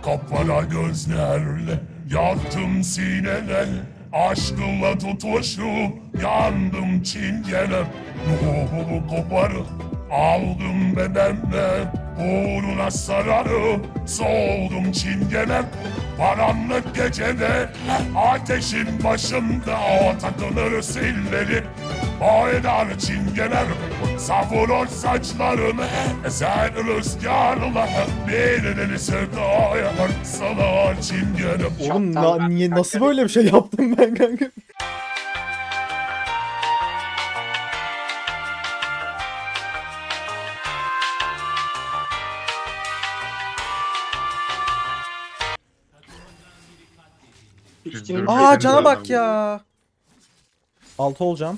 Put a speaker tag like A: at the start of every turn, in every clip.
A: Kapkara gözlerle yaktım sinene, aşkınla tutuşup yandım çingene. Ruhumu koparıp aldım bedenle, uğruna sararıp soğudum çingene. Karanlık gecede ateşin başında o takılır silleri, oynar çingener, savurur saçlarını eser rüzgarla, birinin sevdaya salar çingenem.
B: Oğlum niye nasıl böyle bir şey yaptım ben kanka?
C: İkisinin
B: Aa
C: de-
B: cana bak ya. 6 olacağım.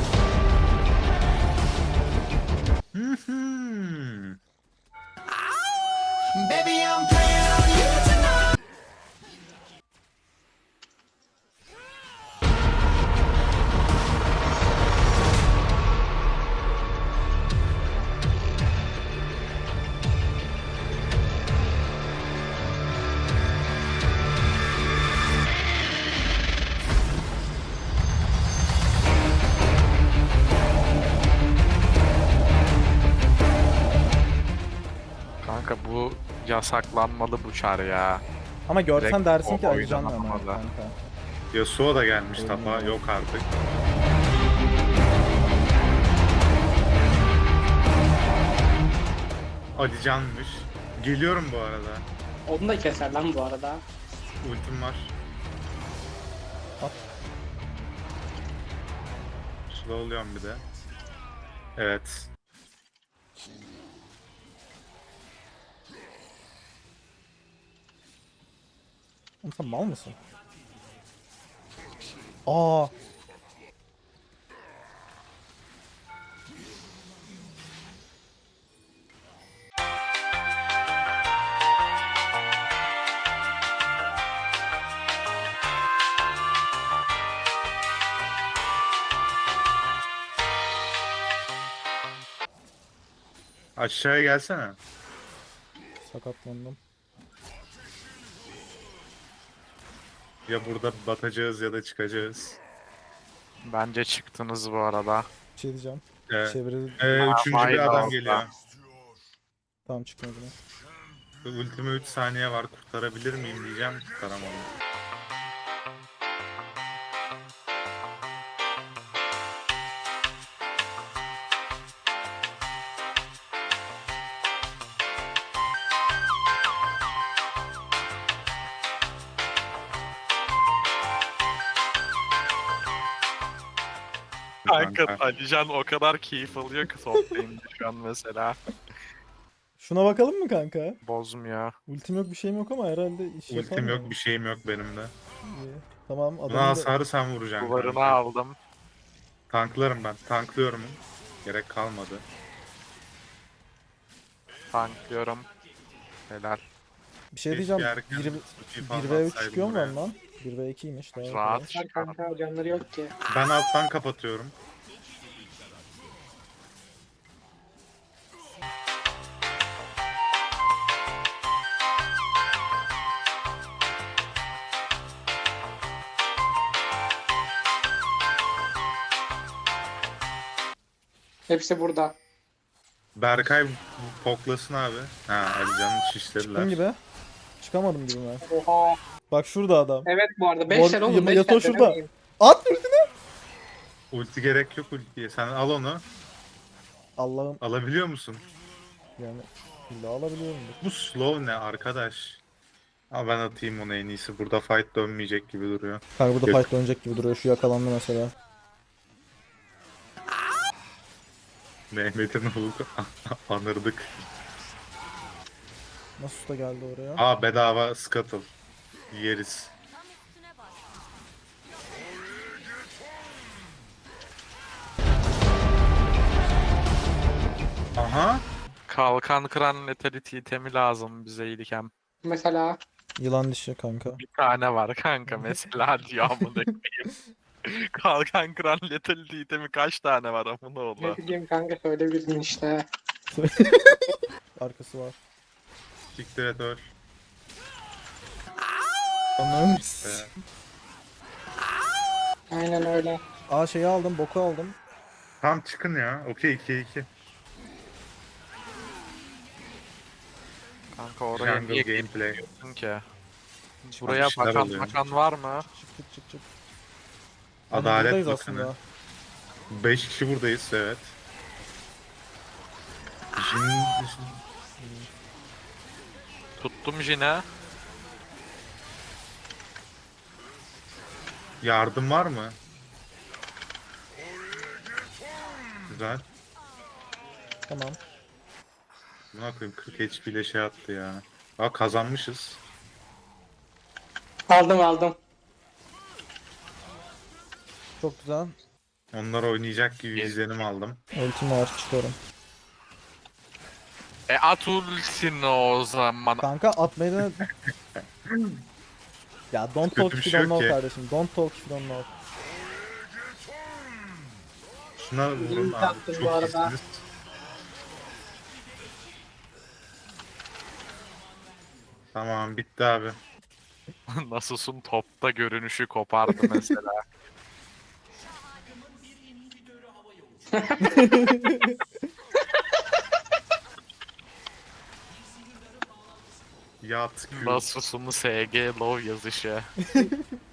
D: Kanka bu yasaklanmalı bu çar ya.
B: Ama görsen
D: Direkt
B: dersin ki
D: o
B: Alican ama
D: oynanamadı.
B: kanka.
C: Yasuo da gelmiş tapa. Yok artık. Alican'mış. Geliyorum bu arada.
E: Onu da keser lan bu arada.
C: Ultim var.
B: At.
C: Slowluyorum bir de. Evet.
B: Oğlum sen mal mısın? Aa.
C: Aşağıya gelsene.
B: Sakatlandım.
C: Ya burada batacağız ya da çıkacağız.
D: Bence çıktınız bu arada.
B: Bir şey diyeceğim.
C: Ee,
B: Çeviri...
C: Üçüncü
D: vay
C: bir adam
D: olsa.
C: geliyor.
B: Tamam çıkmadı.
C: Ultime 3 saniye var. Kurtarabilir miyim diyeceğim. Kurtaramadım.
D: Kanka Alican o kadar keyif alıyor ki toplayınca şu an mesela.
B: Şuna bakalım mı kanka?
D: Bozmuyor.
B: Ultim yok bir şeyim yok ama herhalde iş yapar
C: Ultim
B: mı?
C: yok, bir şeyim yok benim de.
B: İyi. Tamam
C: Buna
B: adamı da...
C: hasarı sen vuracaksın.
D: Duvarını
C: kanka.
D: aldım.
C: Tanklarım ben. Tanklıyorum. Gerek kalmadı.
D: Tanklıyorum. Helal.
B: Bir şey
C: Keşke
B: diyeceğim.
C: erken
B: 1
C: ultiyi falan
B: 1v3
C: atsaydım
B: çıkıyor mu
C: buraya.
B: lan? 1v2'ymiş daha.
D: Rahat.
B: kolay.
E: Her kanka canları yok ki.
C: Ben alttan kapatıyorum.
E: Hepsi burada.
C: Berkay poklasın abi. Ha, Alican'ı şişlediler.
B: Çıktım gibi. Çıkamadım gibi ben.
E: Oha.
B: Bak şurada adam.
E: Evet bu arada
B: Mor-
E: 5 oğlum 5
B: Yato şurada. At ultini.
C: Ulti gerek yok ultiye. Sen al onu.
B: Allah'ım
C: Alabiliyor musun?
B: yani illa alabiliyorum.
C: Bu slow ne arkadaş? Ama ben atayım onu en iyisi. Burada fight dönmeyecek gibi duruyor.
B: Kanka burada
C: Yok.
B: fight dönecek gibi duruyor. Şu yakalandı mesela.
C: Mehmet'in oğlu anırdık.
B: Nasıl usta geldi oraya?
C: Aa, bedava scuttle. Yeriz. Aha.
D: Kalkan kıran letality itemi lazım bize iyilikem.
E: Mesela
B: Yılan dişi kanka.
D: Bir tane var kanka mesela diyor amına koyayım. Kalkan kıran letality itemi kaç tane var amına
E: ne
D: oğlu.
E: bileyim kanka söyle bildin işte.
B: Arkası var.
C: Siktir et öl.
B: Anam.
E: Aynen öyle.
B: Aa şeyi aldım, boku aldım.
C: Tam çıkın ya. Okey 2-2.
D: Kanka oraya
C: Jungle
D: niye
C: gameplay.
D: gidiyorsun ki? Buraya
C: şeyler
D: bakan
C: oluyor.
D: var mı?
B: Çık çık çık çık. Hani
C: Adalet
B: buradayız
C: Bakanı.
B: aslında.
C: 5 kişi buradayız evet. Jin...
D: Tuttum Jin'e.
C: Yardım var mı? Güzel.
B: Tamam.
C: Buna koyayım 40 HP ile şey attı ya. Aa kazanmışız.
E: Aldım.
B: Çok güzel.
C: Onlar oynayacak gibi izlenim aldım.
B: Ultim var, çıkıyorum.
D: At ultini o zaman.
B: Kanka atmayı da... Ya don't talk
C: Kötü bir
B: if you
C: şey
B: don't
C: yok
B: know
C: ki.
B: kardeşim. Don't talk if you don't know.
C: Şuna vurun
E: İyi
C: abi.
E: taktın bu
C: Çok
E: arada.
C: iyisiniz. Tamam bitti abi.
D: Nasus'un topta görünüşü kopardı mesela.
C: Yat Q.
D: Nasus'un SG low yazışı.